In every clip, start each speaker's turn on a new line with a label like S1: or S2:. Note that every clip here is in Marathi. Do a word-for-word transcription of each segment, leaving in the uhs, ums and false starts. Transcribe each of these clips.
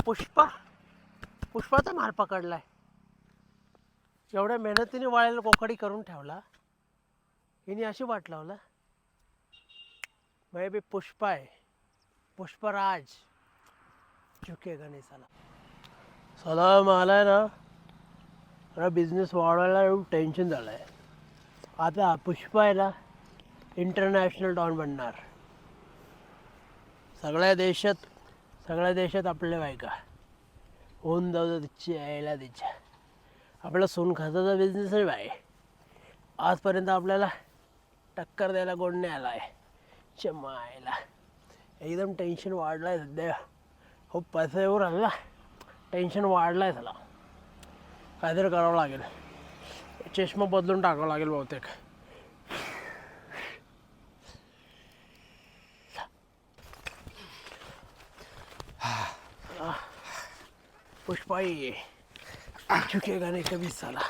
S1: पुष्पा पुष्पाचा माल पकडलाय. एवढ्या मेहनतीने वाळेला कोकडी करून ठेवला, हिने अशी वाट लावला. मैं भी पुष्पा है, पुष्पराज झुकेगा नहीं साला. साला मला आहे ना, मला बिझनेस वाढवायला एवढं टेन्शन झालं आहे. आता पुष्पा आहे ना, इंटरनॅशनल डॉन बनणार. सगळ्या देशात सगळ्या देशात आपल्या बायका होऊन जाऊ तिची यायला तिच्या. आपला सोनखताचा बिझनेस आहे बाय. आजपर्यंत आपल्याला टक्कर द्यायला कोण नाही आला आहे. चमायला एकदम टेन्शन वाढलं आहे सध्या. खूप पैसा येऊ राहिला, टेन्शन वाढलं आहे. त्याला काहीतरी करावं लागेल. चष्मा बदलून टाकावं लागेल बहुतेक. पुष्पाई झुकेगा नहीं कभी साला.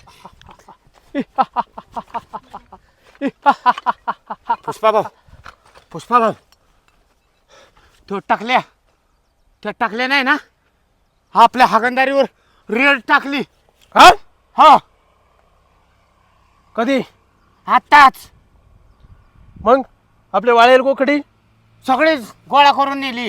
S2: पुष्पा भाऊ, पुष्पा भाऊ, तो टाकल्या त्या टाकल्या नाही ना, आपल्या हागंदारीवर रेड टाकली.
S1: हा
S2: हा
S1: कधी?
S2: आताच
S1: मग आपले वाळेल कोकडी
S2: सगळेच गोळा करून नेली.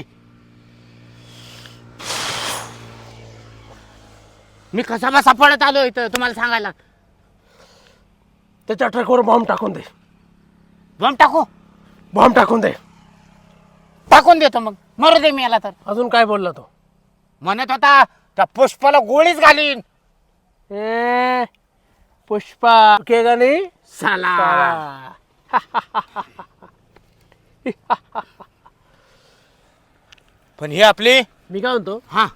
S2: मी कसा बसा पडत आलो इथं तुम्हाला सांगायला.
S1: त्याच्या ट्रकवर बॉम्ब टाकून दे.
S2: बॉम्ब टाकू?
S1: बॉम्ब टाकून दे.
S2: टाकून देतो मग, मरू दे मी याला. तर
S1: अजून काय बोलला तो?
S2: म्हणत होता त्या पुष्पाला गोळीच घालीन.
S1: ए पुष्पा झुकेगा नहीं
S2: साला. पण ही आपली.
S1: मी काय म्हणतो,
S2: हा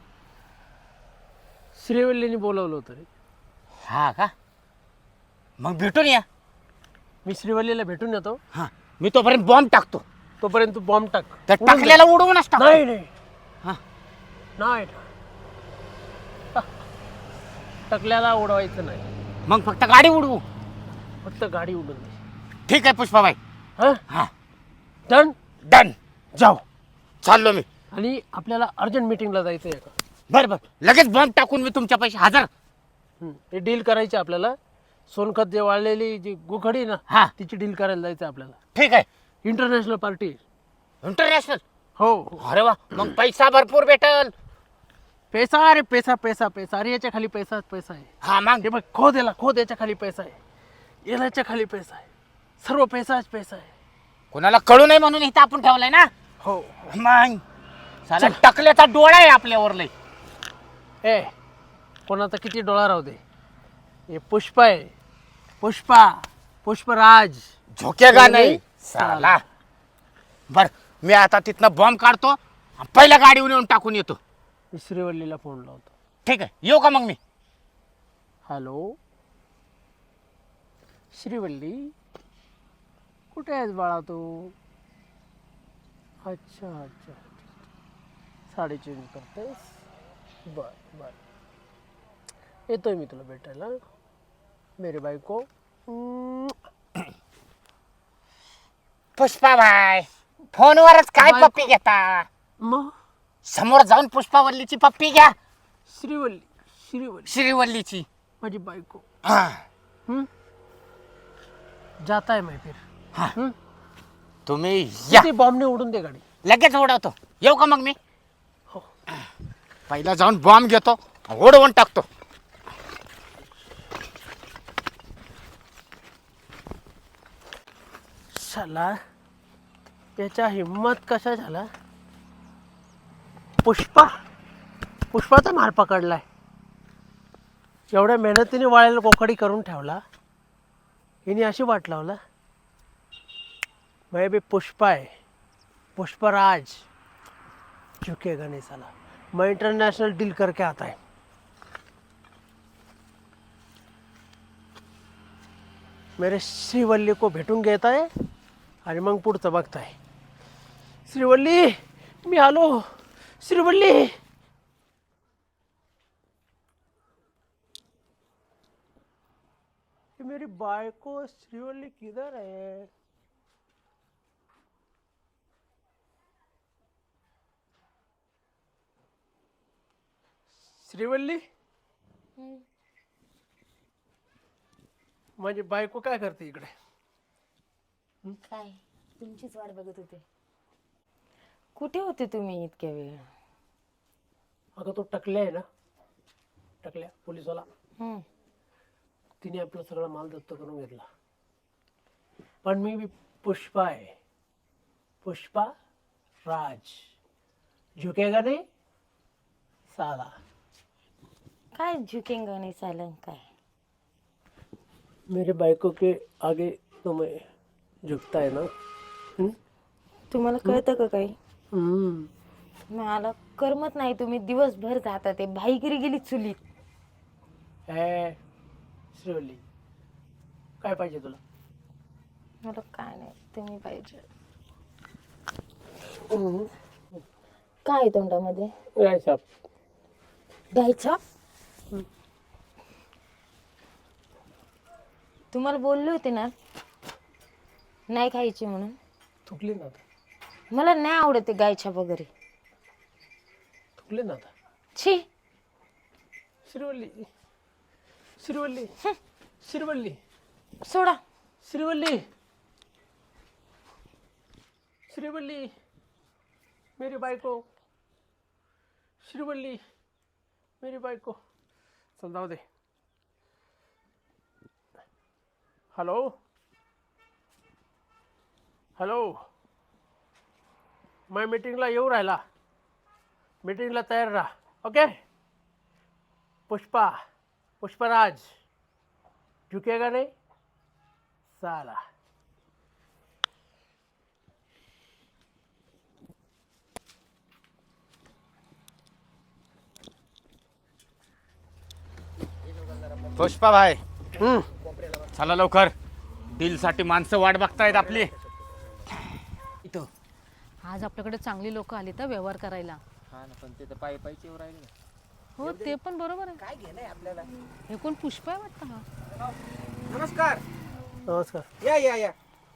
S1: श्रीवल्लीने बोलवलं होतं रे.
S2: हा का? मग भेटून या.
S1: मी श्रीवल्लीला भेटून येतो.
S2: हा मी तोपर्यंत बॉम्ब टाकतो.
S1: तोपर्यंत तू बॉम्ब टाक.
S2: त्या
S1: उडून दे.
S2: टाकल्याला उडवूनच टाक.
S1: नाही नाही
S2: हा
S1: नाही टकल्याला उडवायचं नाही,
S2: मग फक्त गाडी उडवू.
S1: फक्त गाडी उडून दे.
S2: ठीक आहे पुष्पाबाई.
S1: हा
S2: हा
S1: डन.
S2: डन.
S1: जाऊ.
S2: चाललो मी.
S1: आणि आपल्याला अर्जंट मीटिंगला जायचं आहे का?
S2: बर बर लगेच बॉम्ब टाकून मी तुमच्या पैसे हजर.
S1: हं, ते डील करायची आपल्याला. सोनखत जे वाळलेली जी गुखडी ना,
S2: हा
S1: तिची डील करायला जायचं आपल्याला.
S2: ठीक आहे.
S1: International party.
S2: इंटरनॅशनल.
S1: हो.
S2: अरे वा, मग पैसा भरपूर भेटल.
S1: पैसा अरे पैसा पैसा पैसा. अरे याच्या खाली पैसाच पैसा आहे.
S2: हा मग
S1: हे बघ, खोद याला खोद. याच्या खाली पैसा आहे, याच्या खाली पैसा आहे. सर्व पैसाच पैसा आहे.
S2: कोणाला कळू नये म्हणून इथं आपण ठेवलंय ना.
S1: हो.
S2: मग साला टकल्याचा डोळा आहे आपल्यावर लय.
S1: ए कोणाचा किती डोळा राहू दे, हे पुष्पा आहे. पुष्पा पुष्पराज
S2: झोकेगा नाही साला. बर मी आता तिथनं बॉम्ब काढतो, पहिल्या गाडीवर येऊन टाकून येतो.
S1: मी श्रीवल्लीला फोन लावतो.
S2: ठीक आहे, येऊ का मग मी?
S1: हॅलो श्रीवल्ली, कुठे आहेस बाळा तू? अच्छा अच्छा, साडी चेंज करतेस? बर बर, येतोय मी तुला भेटायला. मेरी बायको.
S2: पुष्पाबाई फोनवरच काय
S1: बाय-
S2: पप्पी घेता?
S1: मग
S2: समोर जाऊन पुष्पावल्लीची पप्पी घ्या.
S1: श्रीवल्ली श्रीवल्ली
S2: श्रीवल्लीची
S1: माझी बायको.
S2: हा.
S1: हम्म जाता है मैं फिर.
S2: हा.
S1: हम्म
S2: तुम्ही या,
S1: किती बॉम्बने उडून दे गाडी.
S2: लगेच उडवतो. येऊ का मग मी?
S1: हो.
S2: पहिला जाऊन बॉम्ब घेतो, उडवून टाकतो.
S1: साला याच्या हिम्मत कशा झाला. पुष्पा पुष्पाचा माल पकडलाय. एवढ्या मेहनतीने वाळेला कोकडी करून ठेवला, हिने अशी वाट लावला. मैं भी पुष्पा है, पुष्पराज झुकेगा नहीं साला. मैं इंटरनेशनल डील करके आता है. मेरे श्रीवल्ली को भेटून घेत आहे आणि मग पुढचं बघताय. श्रीवल्ली मी आलो. श्रीवल्ली मेरी बायको श्रीवल्ली किधर है? श्रीवल्ली माझी बायको काय करते इकडे?
S3: काय तुमचीच वाट बघत होते. कुठे होते तुम्ही इतक्या वेळ?
S1: अगं तो टकल्या आहे ना, टकल्या पोलिसवाला,
S3: हम्म.
S1: तिने आपलं सगळं माल दत्त करून घेतला. पण मी बी पुष्पा आहे, पुष्पा राज. झुकेगा नहीं साला.
S3: काय झुकेंगा नाही चालन काय?
S1: मेरे बायको के आगे तो मैं झुकता है ना. हम्म?
S3: तुम्हाला कळतं का काही?
S1: हम्म.
S3: मला करमत नाही. तुम्ही दिवसभर जाता ते भाईगिरी गेली चुलीत.
S1: ए श्रीवल्ली, काय पाहिजे तुला?
S3: मला काय नाही, तुम्ही पाहिजे. काय आहे तोंडामध्ये?
S1: काय साप?
S3: घ्यायचा. तुम्हाला बोलले होते ना नाही खायची म्हणून.
S1: थुकले ना आता,
S3: मला नाही आवडते गायछाप वगैरे.
S1: थुकले ना आता.
S3: छी.
S1: श्रीवल्ली, श्रीवल्ली, श्रीवल्ली,
S3: सोडा.
S1: श्रीवल्ली, श्रीवल्ली, मेरी बायको, श्रीवल्ली, मेरी बायको. चल जाऊ दे. हॅलो हॅलो, मैं मीटिंगला येऊ राहिला. मीटिंगला तयार राहा. ओके. पुष्पा, पुष्पराज, झुकेगा नहीं साला.
S2: पुष्पा भाई,
S1: हम्म.
S2: चला लवकर, डील साठी माणसं वाट बघतायत आपली.
S4: आज आपल्याकडे चांगली लोक आली तर व्यवहार करायला.
S5: हा ना, पण ते तर पायी पायीच येऊ राहिले.
S4: हो ते पण बरोबर आहे.
S5: काय घेणं आपल्याला?
S4: हे कोण पुष्पा आहे वाटतं हा?
S5: नमस्कार.
S1: नमस्कार.
S5: या या या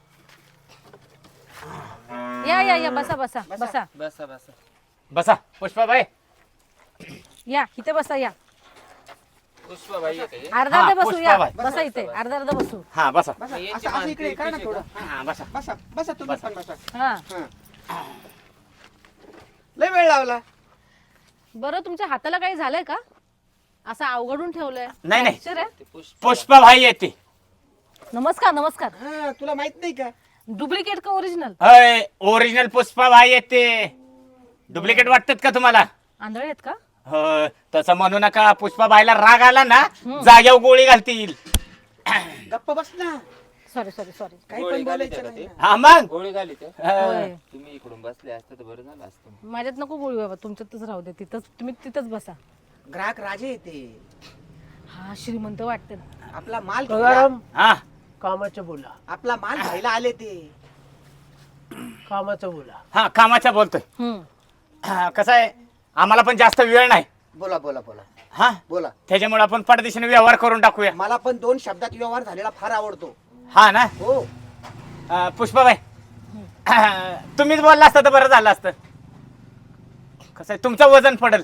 S4: या या या बसा बसा बसा
S5: बसा बसा.
S2: बसा पुष्पा भाई.
S4: या इथे बसा. या
S5: पुष्पा भाई येते.
S4: अर्धा
S2: हा,
S4: अर्धा बसू.
S2: पुष्पा
S4: या
S2: बाई.
S4: बसा इथे अर्धा अर्धा बसू.
S2: हा बसा.
S5: बसा.
S6: असं असं इकडे काय ना थोडं.
S2: हा बसा.
S6: बसा बसा तुम्ही पण बसा.
S4: हा
S6: हा. लय वेळ लावला.
S4: बरं, तुमच्या हाताला काही झालंय का? असं अवघडून ठेवलंय?
S2: नाही, नाही.
S4: Fracture आहे?
S5: ते पुष्पा
S2: पुष्पा भाई येते.
S4: नमस्कार नमस्कार.
S6: हा तुला माहित नाही का?
S4: डुप्लिकेट का ओरिजिनल?
S2: अय ओरिजिनल पुष्पा भाई येते. डुप्लिकेट वाटतात का तुम्हाला?
S4: आंधळे आहेत का?
S2: हो, तसं म्हणू नका. पुष्पा भाईला राग आला ना, जाग्यावर गोळी घालतील.
S6: गप्प बस ना.
S4: Sorry sorry sorry.
S6: काही
S5: गोळी
S6: पण
S5: घाली
S6: बोलायचं
S5: त्याला
S6: नाही
S5: ते.
S6: ना.
S2: हा मग
S5: गोळी घाली ते.
S4: होय.
S5: तुम्ही इकडून बसले असते तर बरं झालं असतं.
S4: माझ्यात नको बोलू बाबा, तुमच्यातच राहू दे. तिथंच तुम्ही तिथंच बसा.
S6: ग्राहक राजे येते.
S4: हा श्रीमंत वाटते.
S6: आपला माल घ्यायला-
S1: गंगाराम,
S2: हा
S1: कामाचं बोला,
S6: आपला माल घ्यायला आले ते.
S1: कामाचं बोला.
S2: हा कामाचा बोलतोय.
S4: हम्म.
S2: हा, कसं आहे, आम्हाला पण जास्त वेळ नाही.
S6: बोला बोला बोला
S2: हा
S6: बोला.
S2: त्याच्यामुळे आपण परदेशाने व्यवहार करून टाकूया.
S6: मला पण दोन शब्दात व्यवहार झालेला फार आवडतो.
S2: हा ना.
S6: हो.
S2: अं, पुष्पाबाई, तुम्हीच बोलला असता तर बरं झालं असतं. कसं आहे, तुमचं वजन पडेल.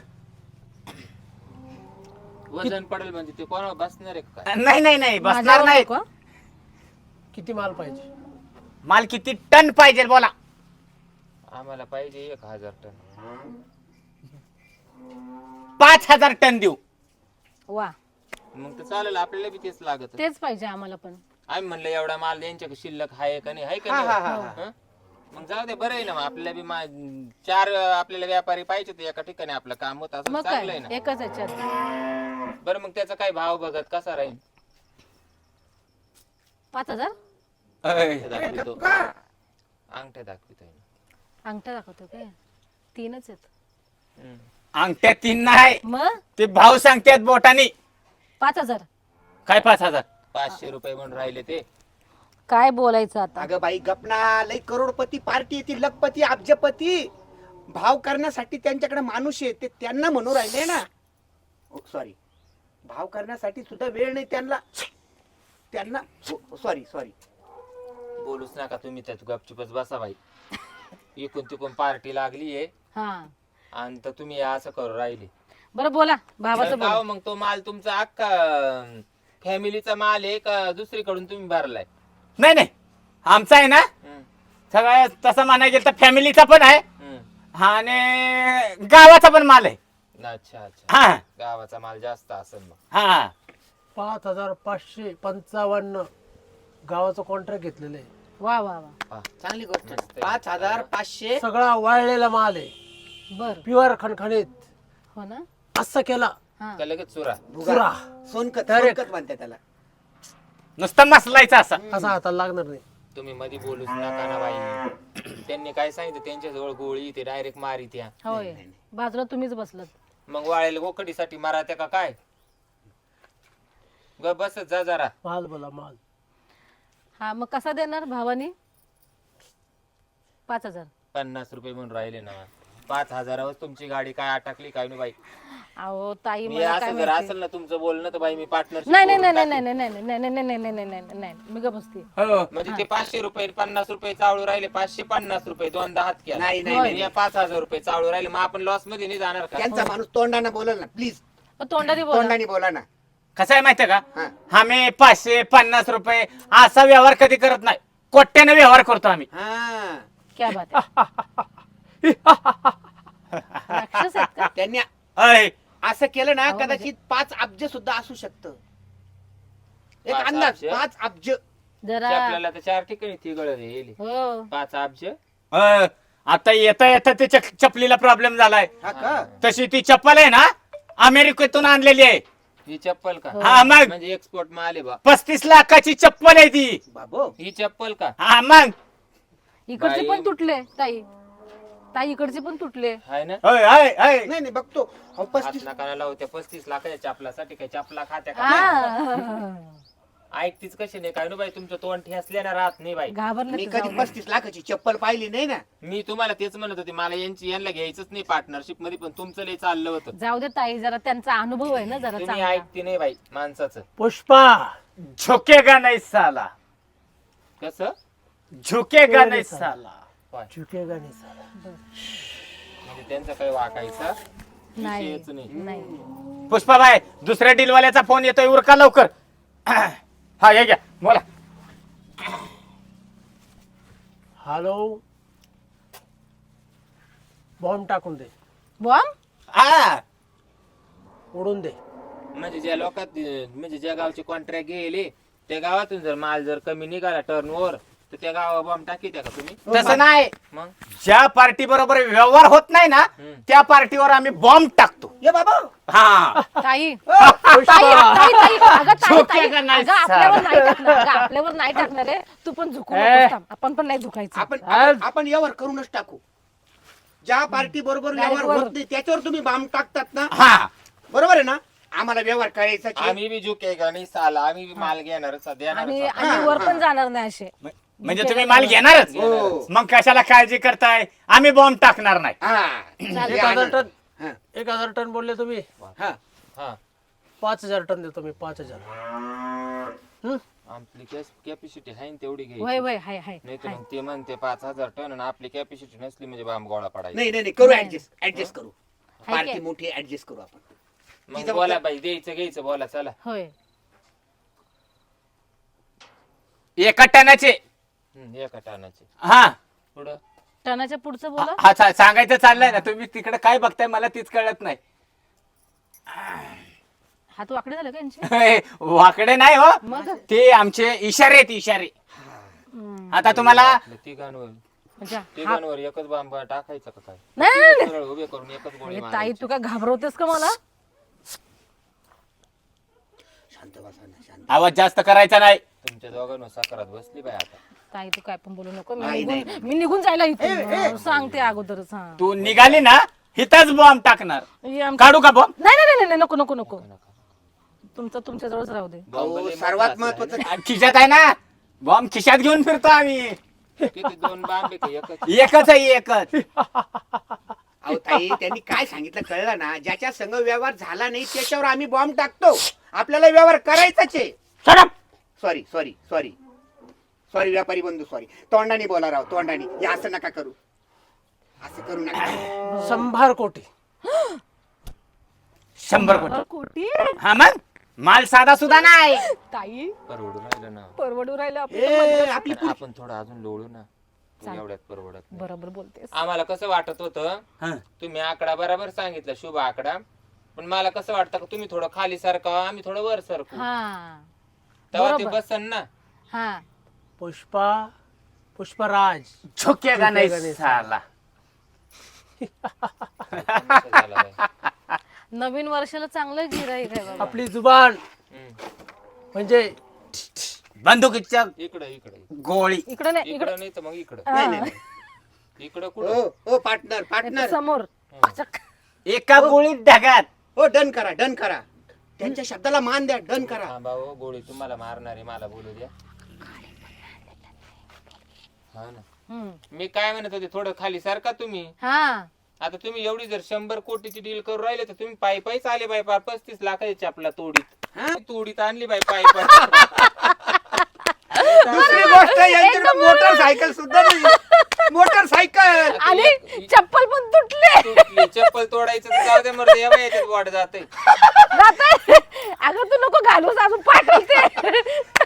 S5: वजन पडेल म्हणजे ते कोण बसणार आहे का काय?
S2: नाही नाही नाही बसणार
S4: माझ्यावर
S2: नाही.
S4: नको, हा?
S1: किती माल पाहिजे?
S2: माल किती टन पाहिजे बोला.
S5: आम्हाला पाहिजे एक हजार टन.
S2: पाच हजार टन देऊ.
S4: वा,
S5: मग तर चालेल, आपल्याला बी तेच लागत.
S4: तेच पाहिजे आम्हाला पण.
S5: आम्ही म्हणलं एवढा माल यांच्या शिल्लक आहे का नाही, आहे का
S6: हा, हा,
S5: नाही?
S6: हा,
S5: हं? मग जाऊ दे, बरं आहे ना. मग आपल्याला बी मा- चार आपल्याला व्यापारी पाहिजे तर एका ठिकाणी आपलं काम होत असं
S4: मग
S5: चांगलं
S4: काय
S5: आहे ना.
S4: एकच याच्यात.
S5: बरं, मग त्याचा काय भाव बघत कसा राहील?
S4: पाच हजार
S5: अंगठ्या दाखवितो अंगठ्या दाखवितोय ना.
S4: अंगठा दाखवतो काय? तीनच आहेत.
S5: हं.
S2: अंगठ्या तीन नाही,
S4: मग
S2: ते भाव सांगतात बोटानी.
S4: पाच हजार
S2: काय पाच हजार?
S5: पाचशे रुपये म्हणून राहिले ते.
S4: काय बोलायचं आता?
S6: अगं बाई गपना. लय करोडपती पार्टी येते, लखपती अब्जपती. भाव करण्यासाठी त्यांच्याकडे माणूस आहे, ते त्यांना म्हणू राहिले ना. सॉरी, भाव करण्यासाठी सुद्धा वेळ नाही त्यांना. त्यांना सॉरी सॉरी
S5: बोलूच नका तुम्ही, त्यात गपचुपच बसा बाई. इकून तिकून पार्टी लागली आहे
S4: हा,
S5: आणि तर तुम्ही असं करू राहिले.
S4: बरं बोला भावाचं
S5: तर
S4: बोला.
S5: गाव मग तो माल तुमचा अख्खा फॅमिलीचा माल आहे का दुसरीकडून तुम्ही भरलाय?
S2: नाही नाही आमचा आहे ना
S5: हम्म,
S2: सगळं तसं म्हणायला गेलं तर फॅमिलीचा पण आहे
S5: हम्म.
S2: आणि गावाचा पण माल आहे.
S5: अच्छा अच्छा,
S2: हा
S5: गावाचा माल जास्त असेल मग.
S2: हा
S1: पाच हजार पाचशे पंचावन्न गावाचं कॉन्ट्रॅक्ट घेतलेलं आहे.
S4: वा वा वा
S5: पहा,
S6: चांगली गोष्ट
S5: मस्त आहे.
S6: पाच हजार पाचशे
S1: सगळा वाळलेला माल आहे,
S4: बर
S1: प्युअर खणखणीत.
S4: हो ना
S1: असं केला
S4: हा
S5: का लगेच चुरा?
S1: चुरा
S6: सोनकत
S1: Direct.
S6: सोनकत म्हणते त्याला.
S2: नुसतं मसलायचं असं.
S1: असा हाताला लागणार नाही.
S5: तुम्ही मध्ये बोलूच नका ना बाई. त्यांनी काय सांगितलं त्यांच्या जवळ गोळी ते डायरेक्ट मारी त्या.
S4: होय बाजूला तुम्हीच बसलात.
S5: मग वाळेल गोकडीसाठी मारा त्या का काय? ग बस जा जरा.
S1: माल बोला माल.
S4: हा मग कसा देणार भावानी? पाच हजार.
S5: पन्नास रुपये म्हणून राहिले ना. पाच हजारावर तुमची गाडी काय अटकली काय नाही बाई.
S4: अहो ताई
S5: मी
S4: मला काय
S5: असं जर
S4: माहिती.
S5: असेल ना तुमचं बोलणं तर बाई मी पार्टनरशिप
S4: नाही नाही नाही नाही नाही नाही नाही नाही नाही नाही नाही नाही नाही नाही मी गप बसते.
S2: हो
S5: म्हणजे ते पाचशे रुपये पन्नास रुपये चावळू राहिले, पाचशे पन्नास रुपये दोनदा हात केला.
S6: नाही नाही
S5: आणि
S6: नाही.
S5: या पाच हजार रुपये चावळू राहिले मग आपण लॉस मध्ये नाही जाणार का?
S6: त्यांचा माणूस तोंडाने बोलल ना प्लीज,
S4: अ, तोंडाने बोला.
S6: तोंडाने बोला ना.
S2: कसं आहे माहितीये का
S6: हा.
S2: आम्ही पाचशे पन्नास रुपये असा व्यवहार कधी करत नाही, कोट्याने व्यवहार करतो आम्ही.
S6: हा
S4: क्या बात आहे. राक्षस आहेत का?
S6: त्यांनी
S2: अय,
S6: असं केलं ना
S4: अहो, म्हणजे-
S6: कदाचित पाच अब्ज सुद्धा असू शकतं. एक
S5: पाच
S6: अंदाज
S5: अब्ज?
S6: पाच अब्ज.
S4: जरा
S5: आपल्याला तर चार ठिकाणी ती गळ येईल.
S4: हो
S5: पाच अब्ज.
S2: अय, आता येता येता ते चक- चपलीला प्रॉब्लेम झालाय.
S6: हा का?
S2: तशी ती चप्पल आहे ना अमेरिकेतून आणलेली आहे.
S5: ही चप्पल का?
S2: हा मग
S5: म्हणजे एक्सपोर्ट माल आहे बा.
S2: पस्तीस लाखाची चप्पल आहे ती.
S6: बाबो
S5: ही चप्पल का?
S2: हा मग
S4: इकडचे
S5: बाई.
S4: पण तुटले ताई. ताई इकडचे पण तुटले.
S5: हाय ना?
S2: अय, अय, अय.
S6: नाही नाही बघतो अहो,
S5: हात
S6: पस्तीस
S5: नाकाला लावत्या पस्तीस लाखाच्या चपलासाठी काय चपला खात्या का?
S4: हा.
S5: ऐकतीच कशी नाही काय नु बाई तुमचं तोंड ठेसल्या ना राहत नाही बाई.
S4: घाबरले
S6: मी
S4: ते
S6: कधी
S4: जाऊ दे.
S6: पस्तीस लाखाची चप्पल पाहिली नाही ना.
S5: मी तुम्हाला तेच म्हणत होते मला यांची यांना घ्यायचंच नाही पार्टनरशिप मध्ये पण तुमचं लय चाललं होतं.
S4: जाऊ दे ताई जरा त्यांचा अनुभव आहे ना जरा
S5: तुम्ही
S4: चांगला.
S5: ऐकते नाही बाई माणसाचं.
S1: पुष्पा
S2: झुकेगा नाही साला,
S5: कसं?
S2: झुकेगा नाही साला.
S1: झुकेगा नाही साला.
S5: म्हणजे त्यांचा काही वाकायचा
S4: नाही
S5: विषयच नाही.
S4: नाही
S2: पुष्पाबाई दुसऱ्या डीलवाल्याचा फोन येतोय उरका लवकर. हा हे घ्या बोला.
S1: हॅलो, बॉम्ब टाकून दे,
S4: बॉम्ब.
S2: हा
S1: उडून दे.
S5: म्हणजे ज्या लोकात म्हणजे ज्या गावचे कॉन्ट्रॅक्ट गेले त्या गावातून जर माल जर कमी निघाला टर्न ओव्हर तर त्या गावा बॉम्ब टाकीत्या का तुम्ही?
S2: तसं नाही,
S5: मग
S2: ज्या पार्टी बरोबर व्यवहार होत नाही ना
S5: हम्म.
S2: त्या पार्टीवर आम्ही बॉम्ब टाकतो.
S6: ये बाबा
S2: हा
S4: ताई
S1: पुष्पा
S4: ताई ताई ताई अगं ताई ताई
S2: झोकेगा नाही
S4: अगं आपल्यावर नाही टाकणार अगं आपल्यावर नाही टाकणार आहे. तू पण झुकू नकोस थांब. आपण पण नाही झुकायचं.
S6: आपण आपण- आपण यावर करूनच टाकू. ज्या पार्टी बरोबर व्यवहार
S4: वर.
S6: होत नाही त्याच्यावर तुम्ही बाम टाकतात ना,
S2: हा
S6: बरोबर आहे ना. आम्हाला व्यवहार करायचा
S5: आम्ही बी झुकेगा नाही साला, आम्ही बी माल घेणारच
S4: आणि
S5: देणारच.
S4: आणि वर पण जाणार नाही असे.
S2: म्हणजे तुम्ही माल घेणारच.
S6: हो.
S2: मग कशाला काळजी करताय, आम्ही बॉम्ब टाकणार नाही.
S6: हा.
S1: एक हजार टन
S6: हा.
S1: एक हजार टन बोलले तुम्ही,
S6: हा.
S5: हा
S1: पाच हजार टन देतो मी. पाच हजार. हं?
S5: आपली कॅपॅसिटी आहे ना तेवढी घ्यायची.
S4: वय वय हाय हाय
S5: नाही तर
S4: हाय.
S5: मग ते म्हणते पाच हजार टन आणि आपली कॅपॅसिटी नसली म्हणजे बाम गोळा पडायचा.
S6: नाही नाही नाही, करू ऍडजस्ट ऍडजस्ट करू.
S4: हाय
S6: पार्टी
S4: काय?
S6: मोठी ऍडजस्ट करू आपण.
S5: मग
S6: तिथं
S5: बोला
S6: फक्त-
S5: बाई द्यायचं घ्यायचं बोला चला.
S4: होय
S2: एका टनाचे.
S5: हम्म, एका टनाचे
S2: हा
S5: पुढं
S4: टनाच्या पुढचं बोला.
S2: हा सा- सांगायचं चाललंय ना, तुम्ही तिकडे काय बघताय मला तीच कळत नाही.
S4: हात वाकडे झाले का यांचे?
S2: हे, वाकडे नाही हो,
S4: मग
S2: ते आमचे इशारे आहेत इशारे.
S4: हम्म.
S2: आता तुम्हाला
S5: आपल्या तिघांवर
S4: म्हणजे हा-
S5: तिघांवर एकच बाम टाकायचं का काय?
S4: नाही, नाही, नाही.
S5: सरळ उभे करून एकच गोळी
S4: अरे ताई
S5: मारायची.
S4: तू काय घाबरवतेस का मला?
S6: शांत बसा ना, शांत.
S2: आवाज जास्त करायचा नाही.
S5: तुमच्या दोघांवर साखरात बसली बाई आता.
S4: ताई तू काय पण बोलू नको. मी
S6: नाही, नाही,
S4: निघून मी निघून जायला इथून सांगते अगोदरच. हा
S2: तू निघाली ना हिथंच बॉम्ब टाकणार.
S4: हे आमचं-
S2: काढू का बॉम्ब?
S4: नाही नाही नाही नाही नको नको नको तुमचं तुमच्या जवळच राहू दे.
S5: बॉम्ब
S6: अहो,
S5: लय
S6: सर्वात
S5: मोठा असेल,
S6: महत्वाचं
S2: खिशात आहे ना बॉम्ब, खिशात घेऊन फिरतो आम्ही.
S5: है ना? किती दोन बांब आहे का एकच?
S2: एकच आहे एकच.
S6: अहो ताई त्यांनी काय सांगितलं कळलं ना. ज्याच्या संग व्यवहार झाला नाही त्याच्यावर आम्ही बॉम्ब टाकतो. आपल्याला व्यवहार करायचाच आहे.
S2: Shut up!
S6: Sorry sorry sorry sorry व्यापारी बंधू सॉरी. तोंडाने बोला राव, तोंडाने. हे असं नका करू, असं करू नका.
S1: शंभर कोटी
S2: शंभर कोटी
S4: कोटी
S2: हा मग माल साधा सुद्धा नाही.
S4: ताई
S5: परवडून राहिलं ना.
S4: परवडू राहिलं आपलं.
S6: ए आपली
S5: पण आपण थोडं अजून लोळू ना. तू एवढ्यात परवडत नाही.
S4: बरोबर बोलतेस.
S5: आम्हाला कसं वाटत होतं
S2: हा.
S5: तुम्ही आकडा बरोबर सांगितला शुभ आकडा, पण मला कसं वाटतं का तुम्ही थोडं खाली सारखा आम्ही थोडं वर सरकू,
S4: हा
S5: तेव्हा ते
S4: बरोबर.
S5: बसन ना.
S4: हा
S1: पुष्पा पुष्पराज
S2: झोकेगा नाही
S1: झुकेगा नाही
S2: साला.
S5: असं झालं बाई.
S4: नवीन वर्षाला चांगलं गिराईक आहे बाबा.
S1: आपली जुबान
S5: हम्म.
S1: म्हणजे
S2: बंदुकीच्या
S5: इकडं इकडं
S2: गोळी.
S4: इकडं नाही इकडं
S5: इकडं नाही तर मग इकडं.
S6: नाही नाही
S5: इकडं
S6: ओ
S5: कुठं
S6: ओ पार्टनर पार्टनर
S4: समोर.
S2: एका गोळीत ढगात.
S6: हो डन करा डन करा त्यांच्या शब्दाला मान द्या डन करा.
S5: थांबा हो, गोळी तुम्हाला मारणार आहे, मला बोलू द्या. हा ना.
S4: हम्म.
S5: मी काय म्हणत होते, थोडं खाली सारखा तुम्ही.
S4: हा
S5: आता तुम्ही एवढी जर शंभर कोटीची डील करून राहिले तर तुम्ही पायी पायीच आले बाई, पार पस्तीस लाखाची चपला तोडीत
S6: हा?
S5: तोडीत आणली बाई पायी पायी.
S6: दुसरी गोष्ट यांच्याकडे मोटरसायकल सुद्धा नाही मोटरसायकल
S4: आणि चप्पल पण तुटले.
S5: तुटली चप्पल तोडायचं तर जाऊ दे मर्द, या बाई याच्यात वाट जाते.
S4: जाते. अगं तू नको घालूस अजून पाठवते.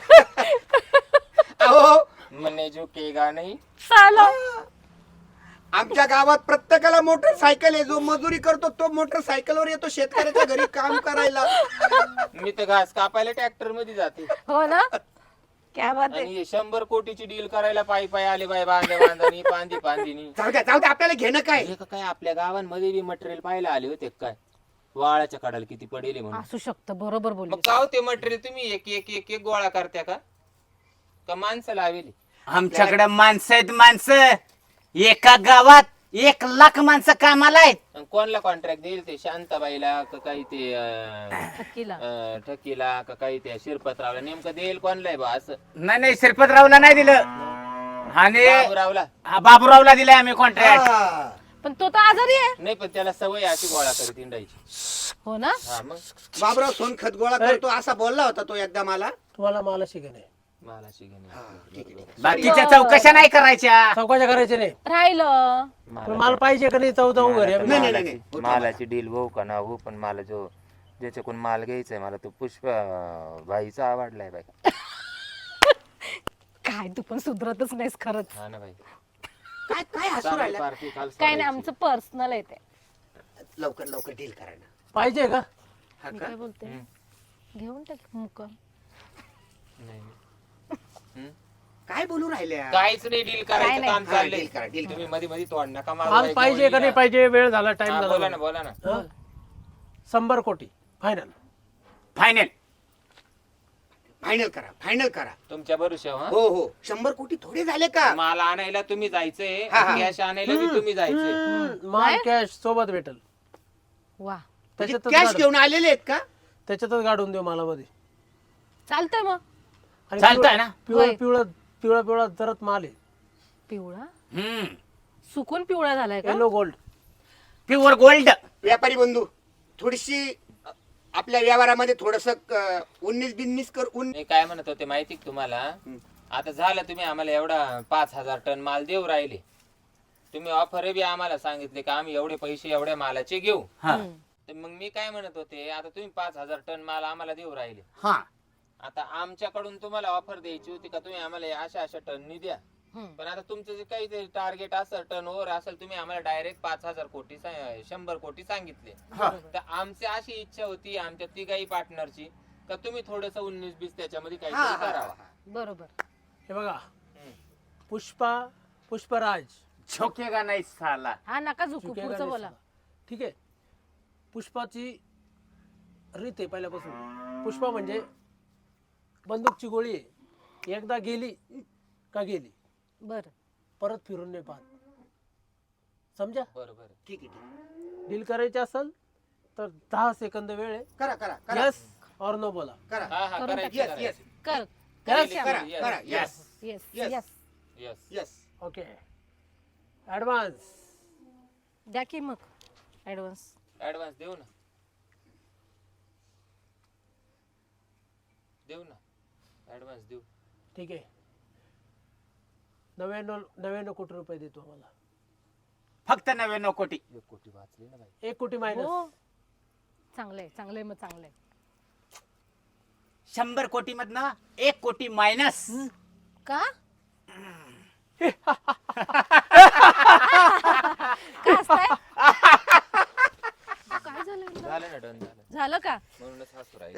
S6: अहो
S5: म्हणे जो केगा नाही.
S4: चालो.
S6: आमच्या गावात प्रत्येकाला मोटरसायकल आहे. जो मजुरी करतो तो मोटरसायकलवर येतो शेतकऱ्याच्या घरी काम करायला.
S5: मी तर घास कापायला ट्रॅक्टर मध्ये जाते
S4: हो ना क्या बात आहे.
S5: आणि हे शंभर कोटीची डील करायला पायी पायी आले बाई, बांधा बांधानी पांदी पांदीनी.
S6: जाऊ द्या जाऊ द्या आपल्याला घेणं काय.
S5: हे का काय आपल्या गावांमध्ये बी मटेरियल पाहायला आले होते काय, वाळाच्या कडाला किती पडेल म्हणून.
S4: असू शकतं बरोबर
S5: मग
S4: बोलली.
S5: का ते मटेरियल तुम्ही एक एक एक एक गोळा करत्या का का माणसं लावेली.
S2: आमच्याकडे माणसं आहेत माणसं. एका गावात एक लाख माणसं कामाला आहेत.
S5: आणि कोणला कॉन्ट्रॅक्ट देईल ते शांताबाईला का काही ते अं,
S4: नक्कीला.
S5: अं, ठकीला का काही ते शिरपतरावला, नेमकं देईल कोणला आहे बा असं.
S2: नाही नाही श्रीपतरावला नाही दिलं आणि
S5: बाबूरावला
S2: हा, बाबूरावला दिलंय आम्ही कॉन्ट्रॅक्ट.
S6: हा.
S4: पण तो तर आजारी आहे.
S5: नाही, पण त्याला सवय अशी गोळा करीत इंडायची.
S4: हो ना.
S5: हा मग
S6: बाबराव सोन खत गोळा करतो असा बोलला होता तो एकदा मला.
S1: तुम्हाला मला शिकणे
S5: मला शिकणे
S2: बाकीच्या चौकशा नाही करायच्या.
S1: चौकाच्या करायचे नाही.
S4: राहिलं.
S1: पण मला पाहिजे का नाही चौ जाऊ घरी आम्ही.
S6: नाही, नाही, नाही.
S5: मालाची मालाची डील होऊ का ना हो, पण मला जो ज्याच्याकडून माल घ्यायचाय मला तो पुष्प भाईचा आवडलाय बाई.
S4: काय तू पण सुधरतच नाहीस खरंच.
S5: हा ना बाई.
S6: काय काय हसू
S5: चालेल,
S6: राहिला.
S5: पार्टी काल
S4: काय नाही
S5: सोडायची.
S4: आमचं पर्सनल आहे ते.
S6: लवकर लवकर डील करा ना.
S1: पाहिजे का
S6: हा
S4: मी
S6: का?
S4: काय बोलते घेऊन टाक मुक.
S5: नाही.
S6: काय बोलू राहिल्या.
S5: काहीच नाही, डील करायचं काम
S6: हा,
S5: चाललंय.
S6: deal करा, deal करा.
S5: तुम्ही मध्ये मध्ये तोड नका मारू
S1: माल
S5: बाई,
S1: पाहिजे का नाही
S5: गोळीला.
S1: पाहिजे वेळ झाला टाइम
S5: हा, बोला ना
S1: झाला
S5: बोला ना.
S1: हं? शंभर कोटी फायनल.
S2: फायनल
S6: फायनल करा फायनल करा.
S5: तुमच्या भरोश्यावर हा?
S6: हो हो शंभर कोटी थोडे झाले का.
S5: माल आणायला तुम्ही जायचंय,
S6: हा, हा.
S5: कॅश आणायला बी तुम्ही जायचंय.
S1: माल कॅश सोबत भेटल.
S4: वा
S1: त्याच्यातच
S6: कॅश
S1: गाड-
S6: घेऊन आलेले आहेत का.
S1: त्याच्यातच गाडून देऊ मला मध्ये.
S4: चालतंय मग.
S1: आणि
S2: चालतंय ना?
S1: पिवळा
S4: होय.
S1: पिवळा पिवळा पिवळा जरत माल आहे.
S4: पिवळा
S2: हम्म
S4: सुकून पिवळा झालाय का.
S1: Yellow gold.
S2: Pure gold.
S6: व्यापारी बंधू थोडीशी अ, आपल्या व्यवहारामध्ये थोडस उन्नीस बिन्नीस कर उन
S5: मी काय म्हणत होते माहिती का तुम्हाला, आता झालं तुम्ही आम्हाला एवढा पाच हजार टन माल देऊ राहिले, तुम्ही ऑफर बी आम्हाला सांगितले का आम्ही एवढे पैसे एवढ्या मालाचे घेऊ.
S2: हा
S5: तर मग मी काय म्हणत होते, आता तुम्ही पाच हजार टन माल आम्हाला देऊ राहिले,
S2: हा
S5: आता आमच्याकडून तुम्हाला ऑफर द्यायची होती का तुम्ही आम्हाला या अशा अशा टननी द्या.
S4: हम्म.
S5: पण आता तुमचं जे काही टार्गेट असेल टर्न ओव्हर असेल, तुम्ही आम्हाला डायरेक्ट पाच हजार कोटी सा- शंभर कोटी सांगितले. तर आमची अशी इच्छा होती आमच्या तिघाही पार्टनरची का तुम्ही थोडस उन्नीस बीस त्याच्यामध्ये
S6: हा,
S5: काहीतरी
S6: हा,
S5: करावा.
S4: बरोबर.
S1: हे बघा
S5: हम्म.
S1: पुष्पा पुष्पराज
S2: झोकेगा नाही साला.
S4: हा नका झुकू
S1: चुकेगा
S4: पुढचं
S1: नाही
S4: बोला.
S1: साला. ठीक आहे. पुष्पाची रीत आहे पहिल्यापासून. पुष्पा म्हणजे बंदूकची गोळी आहे. एकदा गेली का गेली,
S4: बर
S1: परत फिरून नाही पाहत. समजा.
S5: बरोबर.
S6: ठीक आहे ठीक आहे.
S1: डील करायची असेल तर दहा सेकंद वेळ आहे.
S6: करा करा करा
S1: यस और नो बोला.
S6: करा
S5: हा हा
S4: करून
S5: करायची
S6: येस
S5: करायची.
S6: येस
S4: कर.
S1: Yes.
S6: करा
S5: Yes.
S6: करा
S5: Yes.
S6: Yes
S4: yes
S6: Yes.
S4: Yes
S5: Yes.
S6: Yes.
S1: Okay. Advance
S4: द्या की मग ऍडव्हान्स.
S5: ऍडव्हान्स देऊ ना, देऊ ना ऍडव्हान्स देऊ.
S1: ठीक आहे. नव्याण्णव नव्याण्णव कोटी रुपये देतो आम्हाला.
S2: फक्त नव्याण्णव कोटी.
S5: एक कोटी वाचली ना बाई.
S1: एक कोटी मायनस.
S4: हो चांगलंय चांगलंय मग चांगलंय.
S2: शंभर कोटी मधनं एक कोटी मायनस.
S4: का काय हसताय? काय झालं यांना?
S5: झालं ना डन झालं
S4: झालं का
S5: म्हणूनच हसू राहील.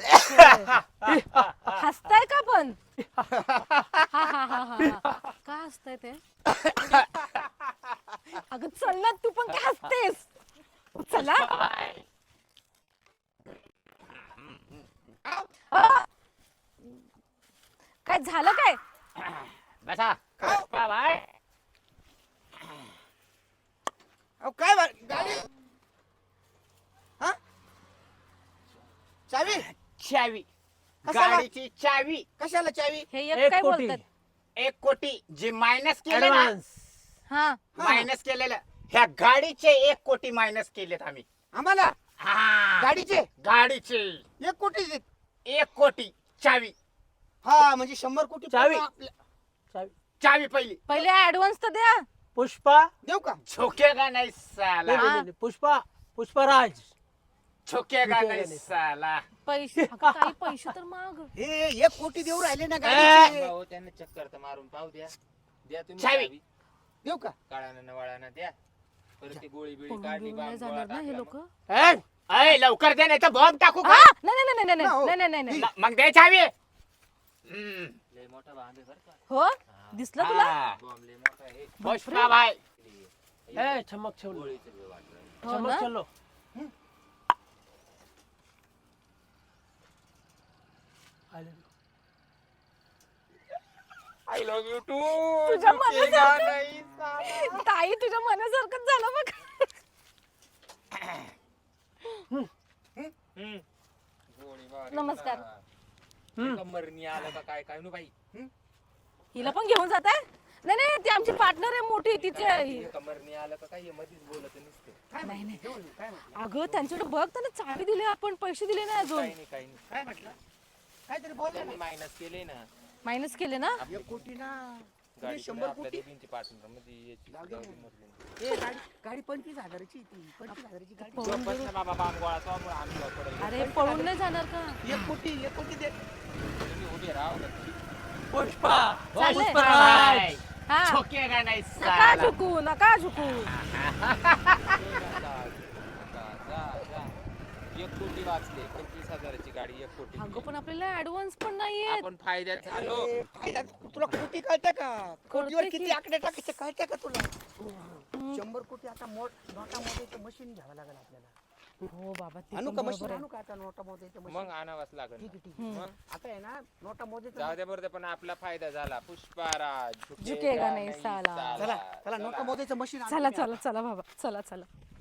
S4: हसताय का पण? हा हा हा हा हा. का हसताय ते? अगं चल ना तू पण काय हसतेस? चला काय झालं काय?
S2: बसा पुष्पाबाई.
S6: अहो काय बा- गाडी हा चावी
S2: चावी,
S6: कशाला?
S2: गाडीची चावी.
S6: कशाला चावी?
S4: हे
S1: एक
S4: एक काय
S1: कोटी.
S4: बोलतात?
S2: एक कोटी जे मायनस केले ना,
S1: ऍडव्हान्स.
S4: हा
S2: मायनस केलेलं ह्या गाडीचे एक कोटी मायनस केलेत आम्ही.
S6: आम्हाला
S2: हा,
S6: गाडीचे
S2: गाडीचे
S6: एक कोटी देत.
S2: एक कोटी चावी.
S6: हा म्हणजे शंभर कोटी
S1: चावी.
S6: पूर्ण आपल्या-
S1: चावी.
S2: चावी पहिली.
S4: पहिले ऍडव्हान्स तर द्या.
S1: पुष्पा
S6: देऊ का?
S2: झोकेगा नाही साला,
S1: नाही, नाही, नाही, पुष्पा पुष्पराज.
S2: झोकेगा
S1: झोकेगा
S2: नाही
S1: नाही.
S2: साला.
S4: पैसे अगं, काही पैसे तर माग.
S6: हे एक कोटी देऊ राहिले ना
S2: ए,
S6: गाडीचे.
S5: भाऊ त्यांना चक्कर तर मारून पाहू द्या. द्या तुम्ही
S2: चावी.
S5: चावी.
S6: देऊ का?
S5: काळानं नवाळानं द्या. परत ती गोळी बिळी
S4: पळून
S5: काढली
S4: बिळून नाही
S5: बाम
S4: जाणार ना हे
S5: गोळा
S4: लोक.
S5: टाकला
S1: ए,
S2: अय लवकर दे नाही तर बॉम्ब टाकू का?
S4: नाही नाही नाही नाही
S6: ना, हो.
S4: नाही नाही नाही नाही
S2: म- मग दे चावी. हम्म.
S5: मग. लय मोठा बांध आहे बरं का.
S4: हो दिसलं तुला?
S2: हा.
S5: बॉम्ब लय मोठा आहे.
S2: पुष्पाबाई.
S1: ए, चमक चलो
S5: गोळीचं बी वाटलं.
S4: हो
S1: चमक
S4: ना?
S1: चलो. आले.
S5: I love you too.
S4: तुझ्या मनासारखं ताई तुझ्या मनासारखंच झालं बघ.
S5: गोळी मारली
S4: नमस्कार.
S5: ना. ते कंबरनी आलं का काय काय नु बाई.
S4: हिला पण घेऊन जात आहे? नाही नाही ती आमची पार्टनर आहे मोठी तिचे.
S5: ते कंबरनी आलं का काय हे मधीच बोलत नसते.
S4: नाही नाही अगं त्यांच्याकडे बघ त्यांना चावी दिली आपण पैसे दिले नाही अजून.
S5: काही नाही काही नाही.
S6: काय म्हटलं? काहीतरी बोल ना.
S5: त्यांनी मायनस केले ना.
S4: मायनस केले ना.
S6: एक कोटी ना.
S5: गाडी
S6: शंभर
S5: आपल्या
S6: कोटी.
S5: दोघींची पार्टनर मध्ये याची
S6: जाऊ दे.
S5: गाडी मधली.
S6: ए, गाडी गाडी पंचवीस हजाराची आहे ती. पंचवीस हजाराची गाडी.
S4: पळून
S5: बस
S4: गेलो.
S5: ना बाबा बाम गोळा तो आम्ही पडेल.
S4: अरे पळून नाही जाणार का?
S6: एक कोटी एक कोटी दे.
S5: तुम्ही उभे राहा ना.
S1: पुष्पा
S4: चालेल.
S1: पुष्पराज.
S4: हा
S2: झोकेगा नाही
S4: नका
S2: साला.
S4: झुकू नका झुकू.
S5: जा, जा, जा. एक कोटी वाचले. पंचवीस हजाराची गाडी एक कोटी.
S4: अगं पण आपल्याला ऍडव्हान्स पण नाहीये.
S5: आपण फायद्यात झालो.
S6: ए, फायदा तुला कोटी कळतं का? कोटीवर
S4: कळतं
S6: किती
S4: की.
S6: आकडे टाकायचे कळतं का तुला? शंभर कोटी आता मोठ नोटा मोजायचं मशीन घ्यावं लागेल आपल्याला.
S4: हो बाबा ते
S6: आणू
S4: पण
S6: का
S4: बरोबर
S6: मशीन
S4: आहे.
S6: आणू का आता नोटा मोजायचं
S5: मग
S6: मशीन?
S5: आणावाच लागेल
S6: ठीक
S5: ना.
S6: आहे ठीक आहे.
S5: मग
S6: आता आहे ना नोटा मोजायचं.
S5: जाऊ दे बरं पण आपला फायदा झाला. पुष्पाराज
S4: झुकेगा नाही साला.
S6: चला चला नोटा मोजायचं मशीन आणू
S4: चला
S6: तुम्ही
S4: चला चला बाबा चला चला.